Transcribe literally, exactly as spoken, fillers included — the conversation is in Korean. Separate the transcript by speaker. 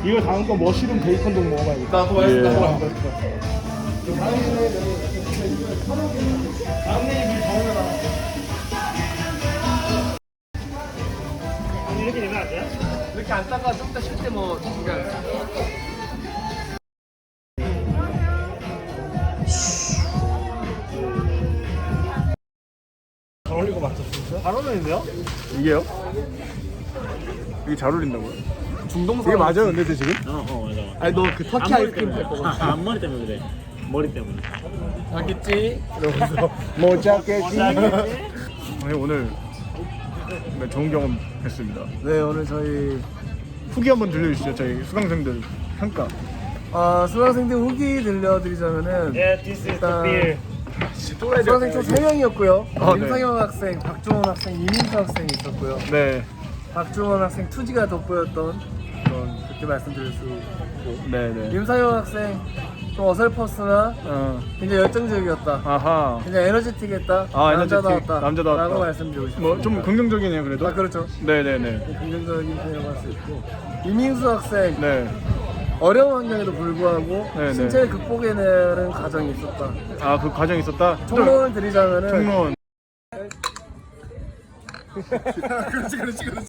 Speaker 1: 이거 다음 거 머시룸 베이컨도 먹어봐야겠다.
Speaker 2: 나 그거 맛있다.
Speaker 1: 예.
Speaker 2: 그거 맛있다.
Speaker 1: 다음 내일 정해라. 이렇게 되면 안 돼요?
Speaker 2: 이렇게 앉다가 좀 이따 쉴 때 뭐 그냥
Speaker 1: 잘 어울리고 맞죠, 진짜? 잘 어울리는데요?
Speaker 3: 이게요? 이게 잘 어울린다고요?
Speaker 2: 중동
Speaker 3: 이게 맞아요 근데 저 지금?
Speaker 4: 어, 어, 맞아. 맞아.
Speaker 2: 아니 너 그 터키 아이스크림 살 거 같아.
Speaker 4: 아, 앞머리 때문에 그래. 머리 때문에.
Speaker 2: 알겠지?
Speaker 3: 이러면서 못 잡겠지? 아니 오늘 네, 좋은 경험 했습니다.
Speaker 5: 네, 오늘 저희
Speaker 3: 후기 한번 들려주시죠. 저희 수강생들 평가.
Speaker 5: 아, 수강생들 후기 들려드리자면은
Speaker 1: Yeah, this is the beer.
Speaker 5: 수강생 총 세 명이었고요.
Speaker 3: 아, 네.
Speaker 5: 임상현 학생, 박종원 학생, 이민수 학생이 있었고요.
Speaker 3: 네,
Speaker 5: 박종원 학생 투지가 돋보였던 그런 그렇게 말씀드릴 수 있고,
Speaker 3: 네, 네.
Speaker 5: 임상현 학생 좀 어설펐으나
Speaker 3: 어,
Speaker 5: 굉장히 열정적이었다.
Speaker 3: 아하.
Speaker 5: 굉장히 에너지틱했다.
Speaker 3: 아,
Speaker 5: 남자다웠다.
Speaker 3: 에너지틱, 남자다웠다.
Speaker 5: 라고 말씀드리고 싶습니다.
Speaker 3: 뭐 좀 긍정적이네요 그래도.
Speaker 5: 아, 그렇죠.
Speaker 3: 네, 네, 네.
Speaker 5: 긍정적인 표현을 할 수 있고, 이민수 학생
Speaker 3: 네.
Speaker 5: 어려운 환경에도 불구하고
Speaker 3: 네,
Speaker 5: 신체를 극복해내는 과정이 있었다.
Speaker 3: 아, 그 과정 있었다.
Speaker 5: 총론을 드리자면은
Speaker 3: 총론.
Speaker 5: 그렇지 그렇지 그렇지